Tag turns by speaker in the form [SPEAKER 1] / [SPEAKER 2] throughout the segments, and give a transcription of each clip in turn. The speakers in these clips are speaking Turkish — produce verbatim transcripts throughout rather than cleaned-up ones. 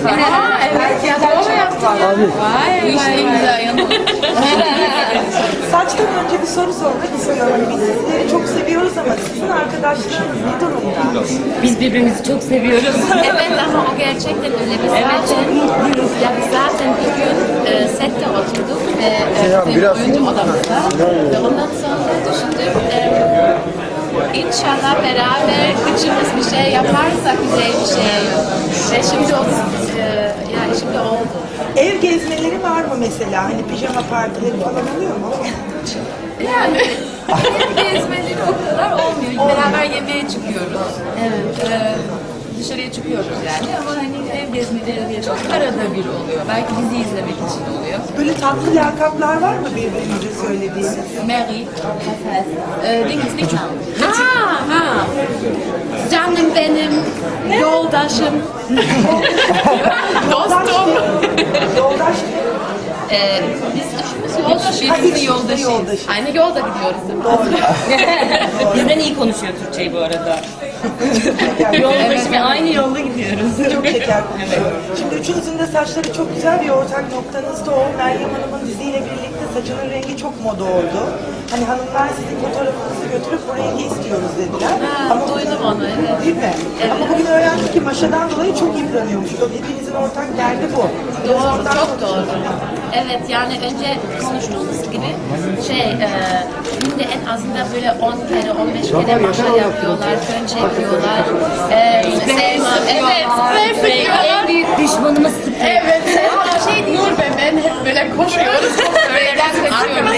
[SPEAKER 1] Aa, evet ya doğru yaptın ya. Vay, bu iş ne güzel yanı.
[SPEAKER 2] Saçtan önce bir soru sormak istiyorum. Biz sizleri çok seviyoruz ama sizin arkadaşlarınız ne durumda?
[SPEAKER 3] Biz birbirimizi çok seviyoruz.
[SPEAKER 4] Evet ama o gerçekten öyle. Biz zaten, ya biz zaten bir gün e, sette oturduk ve e, bizim oyuncu odamızda ve ondan sonra düşündük e, inşallah beraber üçümüz bir şey yaparsak güzel bir şey. Ve şimdi o, e, yani şimdi oldu.
[SPEAKER 2] Ev gezmeleri var mı mesela? Hani pijama partileri falan oluyor mu?
[SPEAKER 1] Yani ev gezmeleri o kadar olmuyor. Beraber yemeğe çıkıyoruz. Evet. Ee, dışarıya çıkıyoruz yani ama hani ev gezmeleri diye çok arada bir oluyor. Belki dizi izlemek için oluyor.
[SPEAKER 2] Böyle tatlı lakaplar var mı birbirinize söylediğiniz?
[SPEAKER 1] Mary, ee, Deniz Nikon.
[SPEAKER 4] Ha ha. Canım benim, yoldaşım.
[SPEAKER 2] Dostum. Yoldaş
[SPEAKER 4] Ee, biz üçümüz yoldaşız.
[SPEAKER 1] Birbirimizi yoldaşıyız.
[SPEAKER 2] yoldaşız.
[SPEAKER 4] Aynı yolda gidiyoruz değil mi?
[SPEAKER 2] Doğru.
[SPEAKER 3] Bizden iyi konuşuyor Türkçeyi bu arada. Yoldaşı ve aynı yolda gidiyoruz.
[SPEAKER 2] Çok şeker konuşuyor. Şimdi üçünüzün de saçları çok güzel, bir ortak noktanız da o. Meryem Hanım'ın diziyle birlikte saçının rengi çok moda oldu. Hani hanımlar sizin fotoğrafınızı götürüp bu rengi istiyoruz dediler.
[SPEAKER 4] Ha, duydum onu, evet.
[SPEAKER 2] Değil mi? Ama bugün öğrendik ki maşadan dolayı çok yıpranıyormuş. O hepinizin ortak derdi bu. Biraz
[SPEAKER 4] Doğru,
[SPEAKER 2] oradan
[SPEAKER 4] çok
[SPEAKER 2] konuşalım.
[SPEAKER 4] doğru. Evet, yani önce konuştuğumuz gibi şey, e, günde en azından böyle on kere, on beş kere maşa yapıyorlar, fön çekiyorlar. E, Selma, evet, sprey
[SPEAKER 3] En
[SPEAKER 4] sıkıyorlar.
[SPEAKER 3] büyük düşmanımız sprey.
[SPEAKER 1] Evet, Selma şey Nur ve ben hep böyle koşuyoruz. Spreyden kaçıyoruz.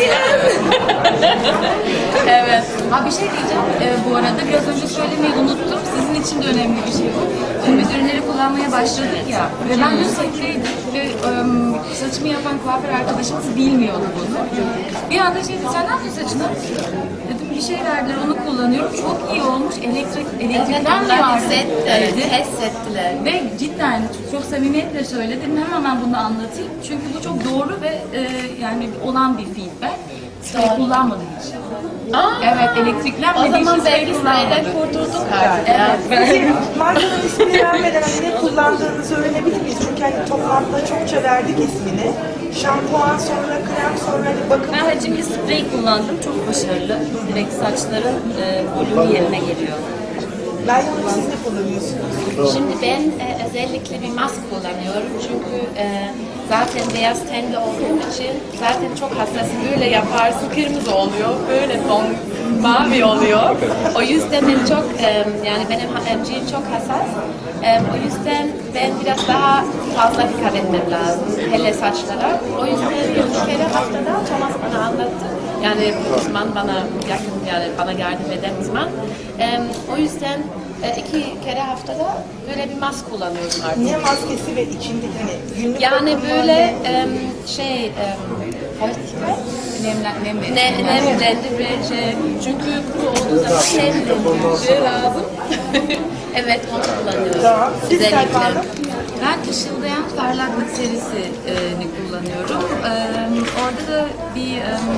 [SPEAKER 1] Evet. Ha bir şey diyeceğim. Ee, bu arada biraz önce söylemeyi unuttum. Sizin için de önemli bir şey bu. Şimdi biz ürünleri kullanmaya başladık ya. Ve ben dün setteydim ve ım, saçımı yapan kuaför arkadaşımız bilmiyordu bunu. Bir anda şey dedi, sen ne yapıyorsun saçına? Dedim bir şey verdiler, onu kullanıyorum. Çok iyi olmuş. Elektrik,
[SPEAKER 4] Evet,
[SPEAKER 1] elektrikten mi
[SPEAKER 4] onlar
[SPEAKER 1] var?
[SPEAKER 4] set,
[SPEAKER 1] dedi.
[SPEAKER 4] test ettiler.
[SPEAKER 1] Ve cidden çok samimiyetle söyledim. Hemen ben bunu anlatayım. Çünkü bu çok doğru ve e, yani olan bir feedback. Sprey kullanmadım hiç. Evet, elektriklenmediği
[SPEAKER 4] O zaman
[SPEAKER 1] için
[SPEAKER 4] belki
[SPEAKER 1] sprey
[SPEAKER 4] spreyden
[SPEAKER 1] kullanmadım.
[SPEAKER 4] kurtulduk artık. Evet.
[SPEAKER 2] Peki markanın ismini vermeden hani ne kullandığınızı öğrenebilir miyiz? Çünkü hani toplantıda çokça verdik ismini. Şampuan sonra krem sonra hani bakım.
[SPEAKER 3] Ben hacimli sprey kullandım. Çok başarılı. Direkt saçların e, volümü yerine geliyor.
[SPEAKER 2] Meryem Hanım siz ne kullanıyorsunuz?
[SPEAKER 4] Şimdi ben e, özellikle bir mask kullanıyorum çünkü e, zaten beyaz tenli olduğum için zaten çok hassasım. Böyle yaparsın kırmızı oluyor, böyle ton mavi oluyor. O yüzden ben çok e, yani benim emciğim çok hassas. E, o yüzden ben biraz daha fazla dikkat etmem lazım hele saçlara. O yüzden bir kere haftada Thomas bana anlattı. Yani uzman bana yakın, yani bana yardım eden uzman. E, o yüzden e, iki kere haftada böyle bir mask kullanıyorum artık.
[SPEAKER 2] Ne maskesi ve içindeki hani günlük
[SPEAKER 4] Yani
[SPEAKER 2] bakımı
[SPEAKER 4] böyle
[SPEAKER 2] ne?
[SPEAKER 4] e, şey, e, feuchtigkeit,
[SPEAKER 1] Nemlen, nem verir.
[SPEAKER 4] ne, nemlendirici, şey, çünkü kuru olduğu zaman nemlendirici lazım. Evet, onu kullanıyorum.
[SPEAKER 2] Tamam. Siz
[SPEAKER 4] Özellikle.
[SPEAKER 2] Selma Hanım?
[SPEAKER 1] Ben ışıldayan parlaklık serisini kullanıyorum. Ee, orada da bir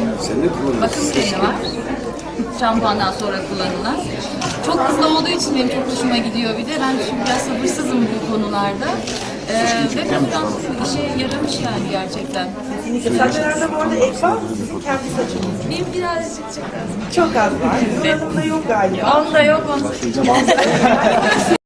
[SPEAKER 1] e, bakım kremi var. Şampuandan sonra kullanılan. Çok hızlı olduğu için benim çok hoşuma gidiyor bir de. Ben şimdi biraz sabırsızım bu konularda. Ee, ve buradan işe yaramış yani gerçekten.
[SPEAKER 2] Kesinlikle. Saçlarda bu arada ek var mı sizin kendi saçınız?
[SPEAKER 1] Benim birazcık çok az.
[SPEAKER 2] Çok az var. Nur Hanım'da yok galiba.
[SPEAKER 1] Onda yok, onda.